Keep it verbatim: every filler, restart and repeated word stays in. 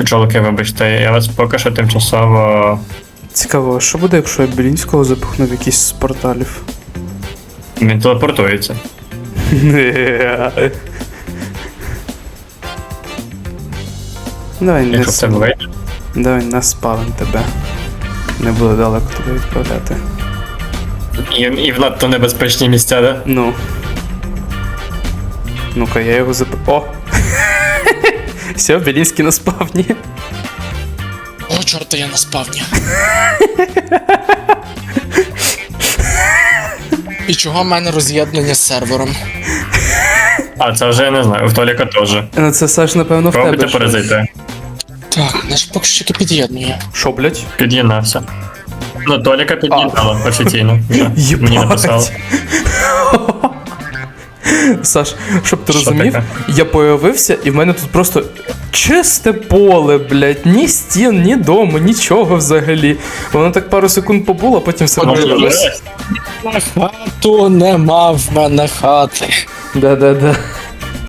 Пчолки, вибачте, я вас поки що тимчасово... Цікаво, що буде, якщо я Білінського запихну в якийсь з порталів? Він телепортується. Давай не Якщо в тебе с... вийде. Давай не спалим тебе. Не буду далеко тебе відправляти. І, і в надто небезпечні місця, да? Ну. Ну-ка, я його зап... О! Все, Білінський на спавні. О, чорта, я на спавні. І чого в мене роз'єднання з сервером? А, це вже я не знаю, в Толіка теж. Ну це Саш, напевно, в тебе. Пробуйте щось. паразити. Так, наш поки що тільки під'єднує. Що, блять? Під'єднався. Ну, Толіка під'єднала офіційно. Вже. Єбать. Мені написали. Саш, щоб ти Що розумів, таке? я появився, і в мене тут просто чисте поле, блять, ні стін, ні дому, нічого взагалі. Воно так пару секунд побуло, а потім все Може, виявилось. вже? На хату нема в мене хати. Да-да-да.